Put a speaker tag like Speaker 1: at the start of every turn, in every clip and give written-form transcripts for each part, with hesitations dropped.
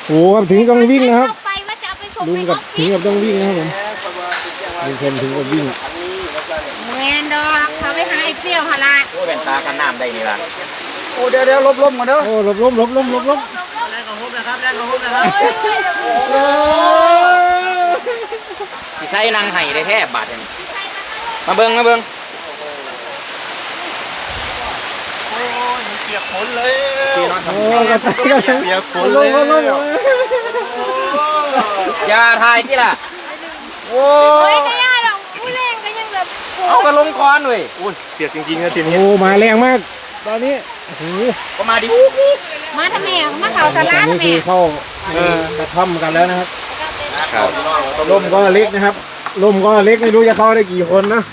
Speaker 1: โอ้ครับถึงต้องวิ่งนะครับ
Speaker 2: ไปว่าจะเอาไปส่ง
Speaker 1: ลุง
Speaker 2: ไปอ
Speaker 1: กั
Speaker 2: อบ ฟ
Speaker 1: ถึ
Speaker 2: ฟิ
Speaker 1: ง
Speaker 2: ศ
Speaker 1: กับต้องวิ่งนะครับผมลุงพลถึงกับวิ่ง
Speaker 2: แมนดอกเขาไปหาไอ้เปรี้ยวหะละ
Speaker 3: โอ้เป็นตากันน้ำได้นี่ล่ะ
Speaker 4: โอ้เดี๋ยวลบมาเด้อ
Speaker 1: โอ้หลบล้มหลบล้มหลบล้ม
Speaker 4: แรงของฮุบนะครับแรงของฮุบนะครับ
Speaker 3: ที่ใส่นางไห้ได้แท้บาทนี่มาเบิ่ง
Speaker 4: โอ้ยเปียกฝนเลย
Speaker 3: พี่น้อง
Speaker 1: โอ้กระต่ายกระต่าย
Speaker 4: เปียกฝน
Speaker 1: ล้
Speaker 4: เล
Speaker 1: ม
Speaker 4: ย
Speaker 1: ล้มล้ม
Speaker 3: อย่าทายที่ล่ะโอ้
Speaker 2: เฮ้ยก็ย่าดอกผู้แรงก็ยังแบบ
Speaker 3: เอากระลงคอนเว้ย
Speaker 4: โอ้ยเปียกจริงๆนะทีนี้
Speaker 1: โอ้มาแรงมากตอนนี้โอ้โห
Speaker 3: ก็มาดิ
Speaker 2: มาทำไมมาเขาส
Speaker 1: ต
Speaker 2: ลา
Speaker 1: อน
Speaker 2: ทำ
Speaker 1: นี้
Speaker 2: ไม
Speaker 1: คือเข้ากระท่อมกันแล้วนะครับ
Speaker 3: ครับ
Speaker 1: ร่มก็เล็กนะครับร่มก็เล็กไม่รู้จะเข้าได้กี่คนนะ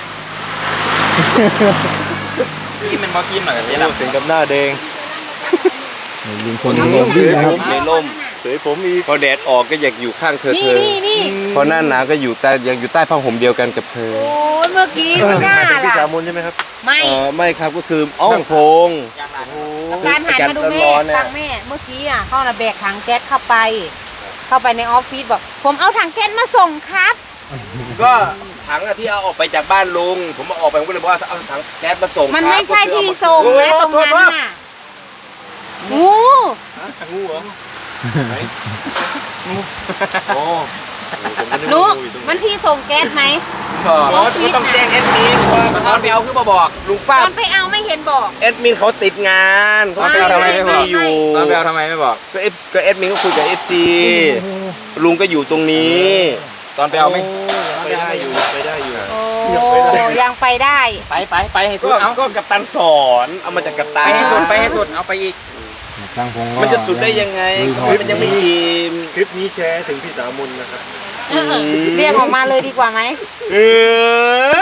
Speaker 3: กินมันบ่กินหน่อยกันนี่ล่ะ
Speaker 4: ถึงกับหน้าแดง
Speaker 1: ลุงพลถึงกับวิ่งนะครับ
Speaker 5: ในร่ม
Speaker 4: เสยผมอีก
Speaker 5: พอแดดออกก็อยากอยู่ข้างเธอ
Speaker 2: นี่
Speaker 5: พอหน้าหนาวก็อยู่ใต้ยังอยู่ใต้ผ้าห่มเดียวกันกับเธอ
Speaker 2: โอ้ยเมื่อกี้ไม่น่า
Speaker 4: พี่
Speaker 2: ล่ะ
Speaker 4: สามุนใช่ไหมครับ
Speaker 2: ไม่
Speaker 5: ไม่ครับก็คือช่างพง
Speaker 2: กับการหันมาดูแม่
Speaker 5: ร้อนๆเนี่ย
Speaker 2: ฟังแม่เมื่อกี้อ่ะเขาระแบกถังแก๊สเข้าไปในออฟฟิศบอกผมเอาถังแก๊สมาส่งครับ
Speaker 5: ก็ถังอะที่เอาออกไปจากบ้านลุงผมเอาออกไปผมก็เลยบอกว่าเอาถังแก๊สมาส่ง
Speaker 2: มัน
Speaker 5: ครับ
Speaker 2: ไม่ใช่
Speaker 5: ก็คือ
Speaker 2: ที่
Speaker 5: เอามา
Speaker 2: ส่งนะตรงนั้นน่ะงู
Speaker 4: งูเหรอโอ้
Speaker 2: นุมันที่ส่งแก๊สไหม
Speaker 5: อ๋อก็ต้องแจ้งแอดมินว่า
Speaker 3: ตอนไปเอาคือบ่บอก
Speaker 5: ลุง
Speaker 2: ต
Speaker 5: ป้า
Speaker 2: อนไปเอาไม่เห็นบอก
Speaker 5: แอดมินเขาติดงานเขา
Speaker 3: ตอนไปเอาทำไมไม่บอก
Speaker 5: อยู่
Speaker 3: ตอนไปเอาทำไมไม่บอก
Speaker 5: ก็แอดมินก็คุยกับ FC ลุงก็อยู่ตรงนี้
Speaker 3: ตอนไปเอาไม่
Speaker 4: ไปได้อยู่ไปได้อยู่
Speaker 2: โอ้ยังไปได้
Speaker 3: ไปให้สุดเอา
Speaker 5: ก็กัปตันสอนเอามาจากกัปตั
Speaker 3: ไป
Speaker 5: น
Speaker 3: ให้สุดเอาไปอีก
Speaker 1: ช่างพงก็
Speaker 5: มันจะสุดได้ยังไง มันยังไม่อิ่ม
Speaker 4: คลิปนี้แชร์ถึงพี่สามุนนะครับ
Speaker 2: เรียกออกมาเลยดีกว่าไหม
Speaker 5: เออ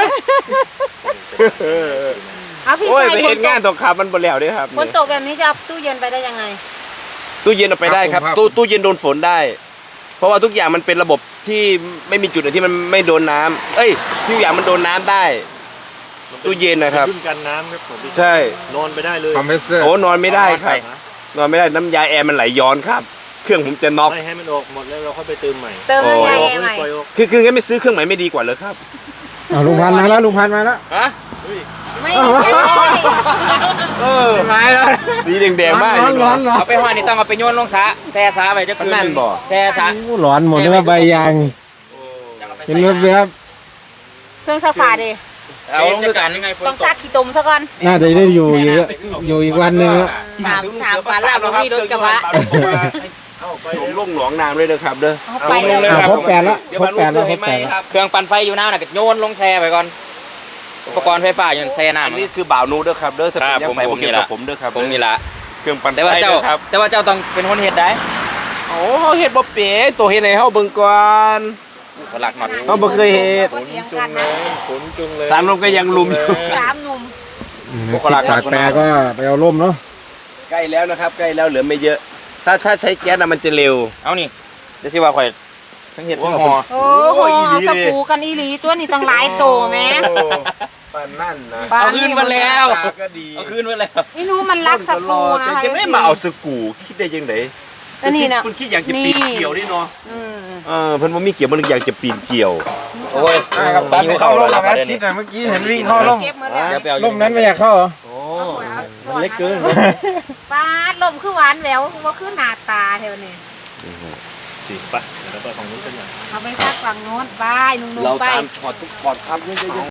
Speaker 2: เอาพี่
Speaker 5: โอ้ย
Speaker 2: ชาย
Speaker 5: ไป
Speaker 2: ฝ
Speaker 5: เห็
Speaker 2: น
Speaker 5: น
Speaker 2: ต
Speaker 5: งาน
Speaker 2: ก
Speaker 5: ตกขับมันบ่แล้วเด้วยครับ
Speaker 2: ฝนตกแบบนี้จะเอาตู้เย็นไปได้ยังไง
Speaker 5: ตู้เย็นเอาไปได้ครับ ตู้เย็นโดนฝนได้ เพราะว่าทุกอย่างมันเป็นระบบที่ไม่มีจุดไหนที่มันไม่โดนน้ำเอ้ยทุกอย่างมันโดนน้ำได้ ตู้เย็นนะครับ
Speaker 4: ขึ้นกันน้ำครับผม
Speaker 5: ใช่
Speaker 4: นอนไปได้เลย
Speaker 1: คอมเพรสเซอร์
Speaker 5: โอ้นอนไม่ได้ครับ นอนไม่ได้น้ำยาแอร์มันไหลย้อนครับ เครื่องผมจะน็อก
Speaker 4: ไม่ให้มันออกหมดแล้วเราค่อยไปเติมใหม่
Speaker 2: เติมน้ำยา
Speaker 5: โอ้
Speaker 2: แอร์ใหม่
Speaker 4: ปล่อยออก
Speaker 5: คืองั้นไม่ซื้อเครื่องใหม่ไม่ดีกว่าเลยครับ
Speaker 1: เอาลุงพันธุ์มาแล้วลุงพันธุ์มาแล้ว
Speaker 5: ฮะ
Speaker 2: ไม่ใช่
Speaker 5: เออ
Speaker 3: ไม่แล้ว
Speaker 5: สีแดงๆมาก
Speaker 1: ร้อนร้อนร้อน
Speaker 3: เอาไปห้อยนี่ต้องเอาไปโยนลงสระแช่สระไปจะคืน
Speaker 5: นั่นบ่
Speaker 3: แช่สระ
Speaker 1: โอ้ร้อนหมดเลยว่าใบยางเห็นรถไหมครับ
Speaker 2: เครื่องซักผ้าดิ
Speaker 3: เอาลงด้วยกัน
Speaker 2: ต้องซักขี้ตุ่มซะก่อน
Speaker 1: น่าจะได้อยู่อีกวันหนึ่งครับ
Speaker 2: ถามฝาลาบมีรถกระบะ
Speaker 5: ผมลงหนองน้ำเลยนะครับเด้อ
Speaker 2: เอาไปเลย
Speaker 1: ครบแปดแล้ว
Speaker 5: เดี๋ยว
Speaker 1: คร
Speaker 5: มา
Speaker 1: บ
Speaker 5: ลู
Speaker 1: แป
Speaker 5: ก
Speaker 1: ด
Speaker 5: เสื
Speaker 1: แล้ว
Speaker 5: อ
Speaker 1: คร
Speaker 5: ให้
Speaker 1: บ
Speaker 5: ไหม
Speaker 1: แปดแล้ว
Speaker 5: ครับ
Speaker 3: เครื่องปั่นไฟอยู่น้ำน่ะก็โยนลงแช่ไปก่อนอุปกรณ์ไฟฟ้าอย่างแช่น้ำ
Speaker 5: อันนี้คือบ่าวนูเด้อครับเด้อถ้า
Speaker 3: ค
Speaker 5: เป็
Speaker 3: รั
Speaker 5: น
Speaker 3: บ
Speaker 5: ยังไง
Speaker 3: ผ
Speaker 5: ผม ม
Speaker 3: นี่
Speaker 5: เกี่ยว
Speaker 3: ล่ะ
Speaker 5: กับผมเด้อครับ
Speaker 3: ผมนี่ละ
Speaker 5: เครื่องปั่นไฟ
Speaker 3: แต่ว่าเจ้า
Speaker 5: ด้อครับ
Speaker 3: แต่ว่าเจ้าต้องเป็นคนเฮ็ดได้
Speaker 5: โอ้เฮ็ดบ่เป๋ตัวเฮ็ดให้เฮาเบิ่งก่อน
Speaker 3: สลักหน่อย
Speaker 5: เขาบ่เคยเฮ็ด
Speaker 2: ก็เถียงกันนะ
Speaker 4: ฝนจุงเลย
Speaker 5: ตามลมก็ยังลุมอยู่
Speaker 2: สามหนุ่ม
Speaker 1: สิบปากแปรก็ไปเอาร่มเนาะ
Speaker 5: ใกล้แล้วนะครับใกล้แล้วเหลือไม่เยอะ ถ้าใช้แก๊สน่ะมันจะเร็ว
Speaker 3: เอานี่เดี๋ยวสิว่าข่อยทั้งเฮ็ดทั้งห่อ
Speaker 2: โอ้โหสกูกันอีหลีตัวนี้ต้องหลายโตแม่
Speaker 5: ปานนั่นนะ
Speaker 3: เอาคืนมาแล้ว
Speaker 5: ตาก็ดี
Speaker 3: เอาคืนมาแล้ว
Speaker 2: ไม่รู้มันรักสกูนะคะ
Speaker 5: จะไม่มาเอาสกูคิดได้ยังไง
Speaker 2: อันนี้นะ
Speaker 5: คุณคิดอยากจะปีนเกี่ยวนี่เนาะ
Speaker 2: อืม
Speaker 5: เพิ่นบ่มีเกี่ยวมันอยากจะปีนเกี่ยว
Speaker 3: โอ้ย
Speaker 1: ตัดเข้าร่มแล้วนะชิดอ่ะเมื่อกี้เห็นวิ่งเข้าร่ม
Speaker 2: เก็บหมดแล้ว
Speaker 3: เดี๋ยวไปเอา
Speaker 1: ร่มนั้นไม่อยากเข้าเหรอ
Speaker 4: มันเล็กเกิน
Speaker 2: ปาดลมคือหวานแหววว่าคือหน้าตาเท่านี้
Speaker 4: สิไปเดี๋ยวเราไปของนู้นกันหน่อย
Speaker 2: เอาไปซักฝั่งโน้นบายนุ่มๆไป
Speaker 5: ถอดทุกถอดครับ